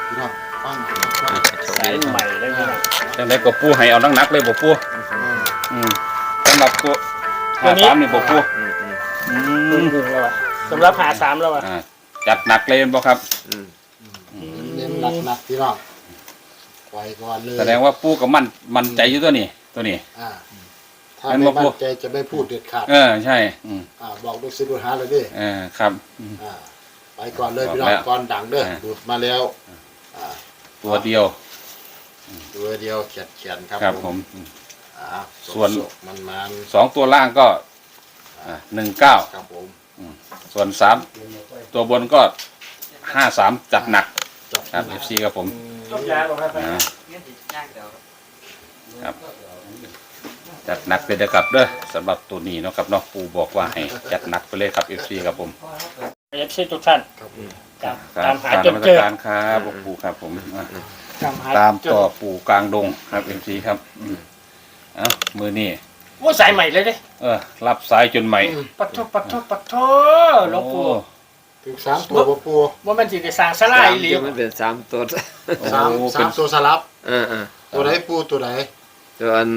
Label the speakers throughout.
Speaker 1: พี่น้องฟัง
Speaker 2: สายใหม่เลยพี่น้อง
Speaker 3: จังไดก็ปูให้เอานักๆเลยบ่ปูสำหรับตัว53นี่บ่ปู
Speaker 2: แล้วอ่ะสำหรับหาสามแล้วอ่ะ
Speaker 3: จัดหนักเลยบ่ครับ
Speaker 1: เน้นหนักพี่น้องปล่อยก่อนเลย
Speaker 3: แสดงว่าปูก็มั่นใจอยู่ตัวนี้
Speaker 1: ถ้าไม่มั่นใจจะไม่พูดเด็ดขาด
Speaker 3: ใช่
Speaker 1: บอกลูกศิษย์ลูกหาเลยดิ
Speaker 3: ครับ
Speaker 1: ไปก่อนเลยพี่น้องก่อนดังเด้อดูดมาแล้ว
Speaker 3: ตัวเดียว
Speaker 1: เขียน
Speaker 3: ครับผมส่วน
Speaker 1: มัน
Speaker 3: 2ตัวล่างก็19
Speaker 1: ครับผม
Speaker 3: ส่วน3ตัวบนก็53จัดหนักครับ FC ครับผมครับจัดหนักไปเลยครับเด้อสำหรับตัวนี้เนาะครับเนาะปูบอกว่าให้จัดหนักไปเลยครับ FC ครับผม
Speaker 2: FC ทุกท่านตามหาจนเจอ
Speaker 3: ครับปูครับผมตามต่อปูกลางดงครับ FC ครับมือนี่
Speaker 2: ว่าสายใหม่เลยดิ
Speaker 3: รับสายจนใหม่
Speaker 2: ปัดโทหลวงปู่
Speaker 1: ถึง3ตัวปู
Speaker 2: ว่ามันสิได้สร้างศาลาอีหลี
Speaker 4: มันเป็น3ตัว
Speaker 1: 3ตัวสลับตัวไหนปูตัวไหน
Speaker 4: ตัวอัน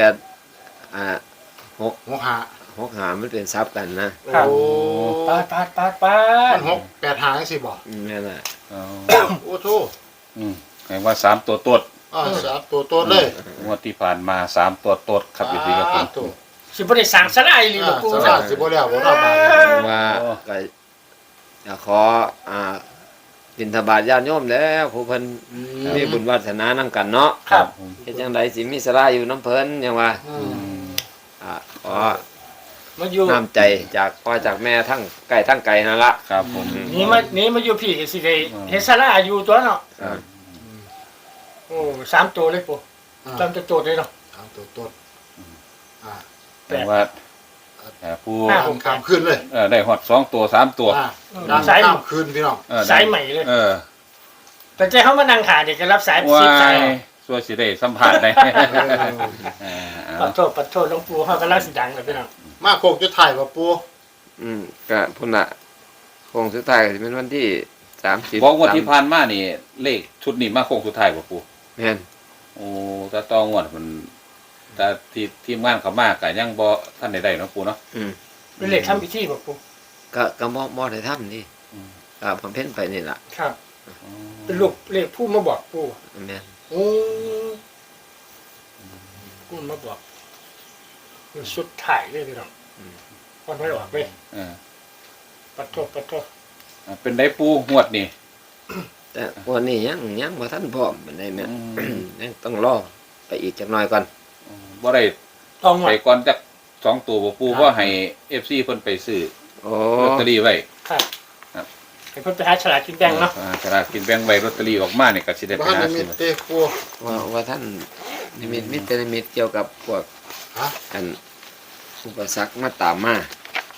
Speaker 4: 6 5มันเป็นซับกันนะ
Speaker 2: โอ้ปา
Speaker 1: มัน6 8หางสิบ่
Speaker 4: นั่นแหละ
Speaker 1: โอ้โธ
Speaker 3: แปลว่า3ตัวตด
Speaker 1: 3ตัวตดเลย
Speaker 3: งวดที่ผ่านมา3ตัวตดครับอยู่ดีครับผม
Speaker 2: สิบ่ได้สร้างศาลาอีหลีหลวงปู่
Speaker 1: ศาลาสิบ่แล้วบ่รอบบาด
Speaker 4: ว่าก็อยากขอบิณฑบาตญาติโยมแล้วผู้เพิ่นมีบุญวาสนานำกันเนาะ
Speaker 2: ครับ
Speaker 4: เฮ็ดจังไดสิมีศาลาอยู่น้ำเพิ่นหยังว่าขอ
Speaker 2: มาอยู่
Speaker 4: น้ำใจจากพ่อจากแม่ทั้งไกลนั่นละ
Speaker 3: ครับผม
Speaker 2: นี่มาอยู่พี่สิได้เฮ็ดศาลาอยู่ตัวเนาะโอ้3ตัวเลยปู่จำจะโจทย์เลยเนาะ
Speaker 1: 3ตัวตด
Speaker 3: แต่ว่าผู้
Speaker 1: ข้ามขึ้นเลย
Speaker 3: ได้ฮอด2ตัว3ตัว
Speaker 1: สายข้ามขึ้นพี่น้อง
Speaker 2: สายใหม่เลยแต่ใจเขามานั่งขาเด็กก็รับสาย10สาย
Speaker 3: ส่วนสิได้สัมภาษณ์ได้
Speaker 2: ปัดโทษหลวงปู่เฮากำลังสิดังเลยพี่น้อง
Speaker 1: มาโคกจะถ่ายบ่ปู่
Speaker 4: ก็พุ่นน่ะโค้งสุดท้ายก็สิเป็นวันที่30
Speaker 3: บอกว่าที่ผ่านมานี่เลขชุดนี้มาโค้งสุดท้ายบ่ปู่
Speaker 4: แม่น
Speaker 3: โอ้ถ้าต้องงวดมันแต่ทีมงานเขามากก็ยังบ่ท่านได้เนาะปู่เนาะ
Speaker 2: เป็นเลขทำพิธีบ่ปู่
Speaker 4: ก็บ่ได้ทำนี่ผมเพ่นไปนี่ล่ะ
Speaker 2: ครับเป็นลูกเลขผู้มาบอกปู่
Speaker 4: แม่น
Speaker 2: โอ้ผู้มาบอกสุดท้ายเลยพี่น้องก่อนไม่ออกเลยปัดโทษ
Speaker 3: เป็นได้ปู่งวดนี่
Speaker 4: แต่วันนี้ยังบ่ทันพร้อมปานใดแม่ยังต้องรอไปอีกจักหน่อยก่อน
Speaker 3: บ่ได้ไปก่อนจัก2ตัวบ่ปู่ว่าให้ FC เพิ่นไปซื้อลอตเตอรี่ไว้
Speaker 2: ครับให้เพิ่นไปหาฉลากกินแบ่งเนาะ
Speaker 3: ฉลากกินแบ่งไว้ลอตเตอรี่ออกมานี่ก็สิได้ไปหาซื้อ
Speaker 4: ว่าท่านนิมิตเกี่ยวกับพวกอันอุปสรรคมาตามมา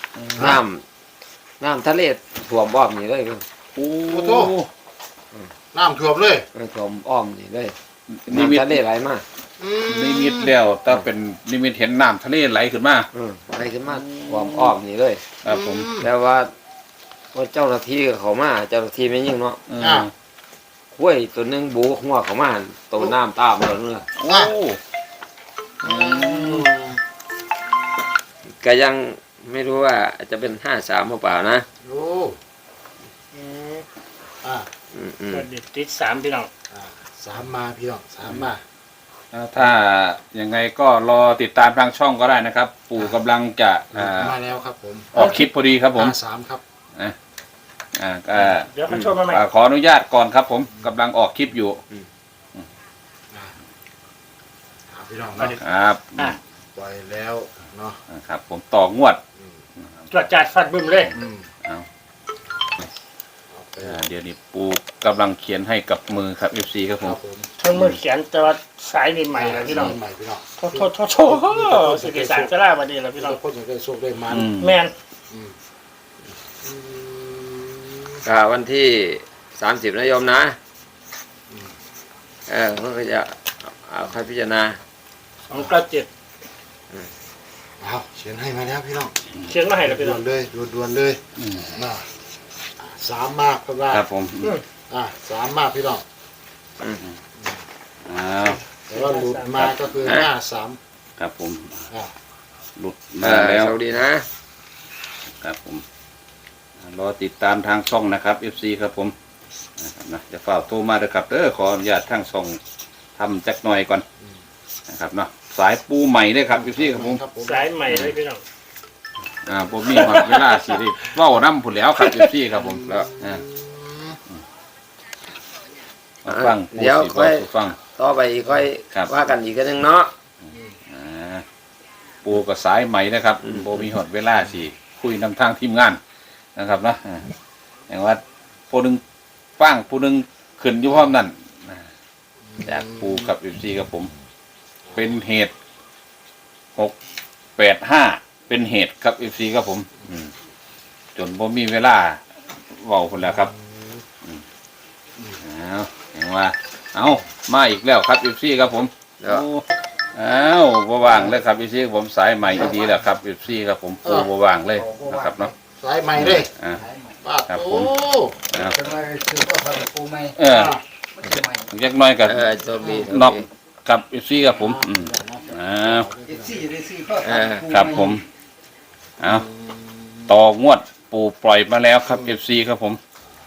Speaker 4: น้ำทะเลท่วมอ้อมนี่เลย
Speaker 1: โอ้โธ่น้ำท่วมเลย
Speaker 4: ท่วมอ้อมนี่เลยน้ำทะเลไหลมา
Speaker 3: นิมิตแล้วถ้าเป็นนิมิตเห็นน้ำทะเลไหลขึ้นมา
Speaker 4: ไหลขึ้นมาท่วมอ้อมนี่เลย
Speaker 3: ครับผม
Speaker 4: แต่ว่าเจ้าหน้าที่เขามาเจ้าหน้าที่ไม่ยิ่งเนาะห้วยตัวนึงบูหัวเขามาตัวน้ำตามเลยเนาะก็ยังไม่รู้ว่าจะเป็น53หรือเปล่านะ
Speaker 1: โอ้
Speaker 2: ติด3พี่น้อง
Speaker 1: 3มาพี่น้อง3มา
Speaker 3: ถ้ายังไงก็รอติดตามทางช่องก็ได้นะครับปู่กำลังจะ
Speaker 1: มาแล้วครับผม
Speaker 3: ออกคลิปพอดีครับผม
Speaker 1: 3ครับ
Speaker 2: เดี๋ยวเขาชมมาใหม่
Speaker 3: ขออนุญาตก่อนครับผมกำลังออกคลิปอยู่
Speaker 1: พี่น้อง
Speaker 3: ครับ
Speaker 1: ปล่อยแล้วเนาะ
Speaker 3: ครับผมต่องวด
Speaker 2: ตรวจจัดฟัดบึ้มเลย
Speaker 3: เดี๋ยวนี้ปูกำลังเขียนให้กับมือครับ FC ครับผม
Speaker 2: ทั้งมือเขียนแต่ว่าสายนี่ใหม่เลยพี่น้องโทษสิเกษาจะล่าวันนี้แล้วพี่น้อง
Speaker 1: คนจะได้โชคได้มัน
Speaker 2: แมน
Speaker 4: วันที่30นะโยมนะเขาก็จะค่อยพิจารณา
Speaker 2: 297
Speaker 1: เขียนให้มาแล้วพี่น้อง
Speaker 2: เขียนมาให้แล้วพี่น้อง
Speaker 1: ด่วนเลย3มากครับ
Speaker 3: ครับผม
Speaker 1: 3มากพี่น้อง
Speaker 3: อ้าว
Speaker 1: แต่ว่าหลุดมาก็คือ53
Speaker 3: ครับผม
Speaker 1: อ่า
Speaker 3: หลุดมาแล้ว
Speaker 4: สวัสดีนะครับ
Speaker 3: ผมรอติดตามทางช่องนะครับ FC ครับผมนะครับนะจะฝากโทรมาเลยครับขออนุญาตทางช่องทำจักหน่อยก่อนนะครับเนาะสายปูใหม่เลยครับ FC ครับผม
Speaker 1: ครับผม
Speaker 2: สายใหม่เลยพี่น้อง
Speaker 3: ผมมีหอดเวลาสิได้เว้าน้ำผุนแล้วครับ FC ครับผมแล้วมาฟังปู
Speaker 4: เดี๋ยว
Speaker 3: สิ
Speaker 4: ค่อย
Speaker 3: บอกฟัง
Speaker 4: ต่อไปอีกค่อย
Speaker 3: ครับ
Speaker 4: ว่ากันอีกนึงเนาะ
Speaker 3: ปูกับสายใหม่นะครับโบมีหอดเวลาสิคุยนำทางทีมงานนะครับเนาะอย่างว่าผู้หนึ่งฟังผู้หนึ่งขึ้นอยู่พร้อมนั่นจากปูกับ FC กับผม เป็นเหตุ685เป็นเหตุครับ FC ครับผมจนผมมีเวลาเว้าคนแล้วครับเอาอย่างว่าเอามาอีกแล้วครับ FC ครับผม
Speaker 4: เดี๋ยว
Speaker 3: บ่ว่างเลยครับ FC ผมสายใหม่ดีแล้วครับ FC ครับผมปูบ่ว่างเลยนะครับเนาะ
Speaker 1: สายใหม่เลย ป้า
Speaker 3: ครับ
Speaker 1: โต
Speaker 3: ผม
Speaker 5: จะมาซื้อก็ทำปูไหม
Speaker 3: มันจักหน้อยกับ
Speaker 4: โชคดี
Speaker 3: นอกกับ FC ครับผมอ้าว
Speaker 5: เอฟซีจะได้ซื้อก็ทำปู
Speaker 3: ครับผมเอาต่องวดปูปล่อยมาแล้วครับ FC ครับผม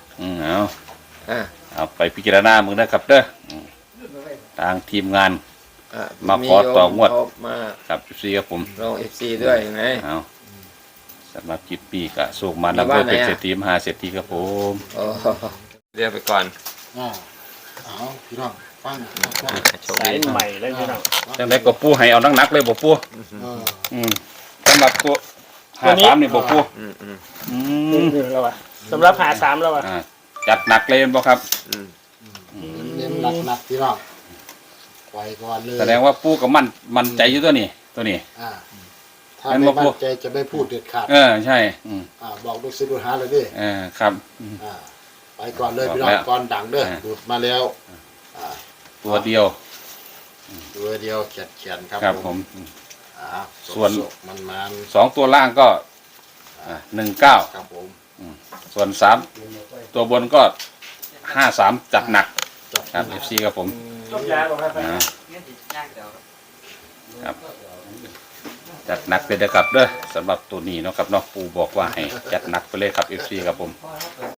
Speaker 3: เอาไปพิจารณามึงนะครับเด้อทางทีมงาน มาขอต่องวด
Speaker 4: มา
Speaker 3: กับ FC ครับผม
Speaker 4: ลง FC ด้วยไง
Speaker 3: เอาสำหรับคลิปปีกะสูงมาแล้วเพื่อเป็นเศรษฐีมหาเศรษฐีครับผม
Speaker 4: โอ้เรียกไปก่อน
Speaker 1: เอาพี่น้องฟัง
Speaker 4: โชค
Speaker 2: สาย
Speaker 4: ดี
Speaker 2: ใหม่เลยพี่น้อง
Speaker 3: จังไดก็ปูให้เอานักๆเลยบ่ปู สำหรับตัว53นี่บ่ปู
Speaker 2: นี่แล้วว่ะสำหรับหา3แล้วว่ะ
Speaker 3: จัดหนักเลยบ่ครับ
Speaker 1: เน้นหนักพี่น้องปล่อยก่อนเลย
Speaker 3: แสดงว่าปูก็มั่นใจอยู่ตัวนี้
Speaker 1: ถ้าไม่มั่นใจจะไม่พูดเด็ดขาด
Speaker 3: ใช่
Speaker 1: บอกลูกศิษย์ลูกหาเลยดิ
Speaker 3: ครับ
Speaker 1: ไปก่อนเลยพี่น้องก่อนดังเด้อดูดมาแล้ว
Speaker 3: ตัวเดียว
Speaker 1: ตัวเดียวเขียนครับ
Speaker 3: ครับผม ส่วน
Speaker 1: มัน
Speaker 3: 2ตัวล่างก็19
Speaker 1: ครับผม
Speaker 3: ส่วน3ตัวบนก็53จัดหนักครับ FC ครับผม
Speaker 2: จบยาบ่ครับ
Speaker 3: ครับจัดหนักไปเลยครับเด้อสำหรับตัวนี้เนาะครับเนาะปูบอกว่าให้จัดหนักไปเลยครับ FC ครับผม